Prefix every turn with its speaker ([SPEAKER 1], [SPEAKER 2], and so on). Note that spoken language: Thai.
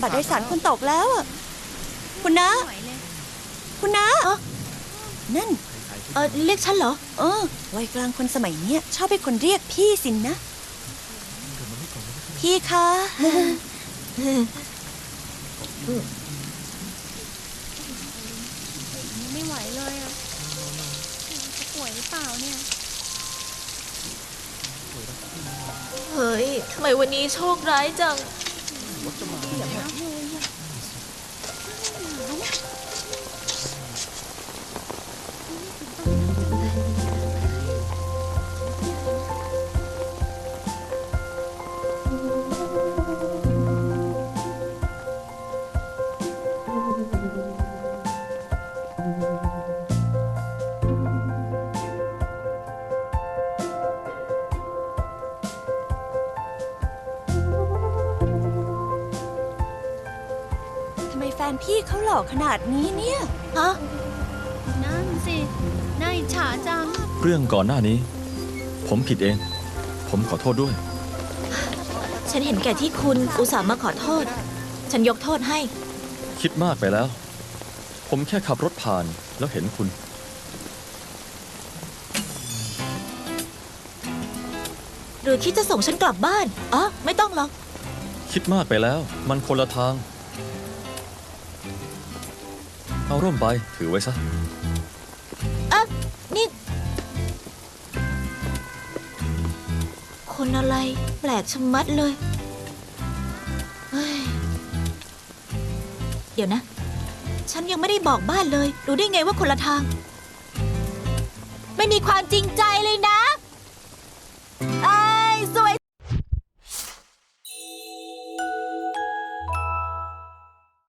[SPEAKER 1] บัตรโดยสารคุณตกแล้วอะคุณนะคุณนะนั่น
[SPEAKER 2] เรียกฉันเหรอ
[SPEAKER 1] วัยกลางคนสมัยเนี้ยชอบให้คนเรียกพี่สินนะพี่คะ
[SPEAKER 3] ไม่ไหวเลยอ่ะจะป่วยหรือเปล่าเนี่ย
[SPEAKER 2] เฮ้ยทำไมวันนี้โชคร้ายจัง
[SPEAKER 1] ทำไมแฟนพี่เขาหล่อขนาดนี้เนี่ย
[SPEAKER 2] ฮะ
[SPEAKER 3] นั่นสิน่าอิจฉาจัง
[SPEAKER 4] เรื่องก่อนหน้านี้ ผมผิดเอง ผมขอโทษด้วย
[SPEAKER 2] ฉันเห็นแก่ที่คุณอุตส่าห์มาขอโทษฉันยกโทษให้
[SPEAKER 4] คิดมากไปแล้ว ผมแค่ขับรถผ่านแล้วเห็นคุณ
[SPEAKER 2] หรือคิดจะส่งฉันกลับบ้านไม่ต้องหรอก
[SPEAKER 4] คิดมากไปแล้ว มันคนละทาง เอาร่มไปถือไว้ซะ
[SPEAKER 2] นี่คนอะไรแปลกชะมัดเลยเฮ้ยเดี๋ยวนะฉันยังไม่ได้บอกบ้านเลยรู้ได้ไงว่าคนละทางไม่มีความจริงใจเลยนะ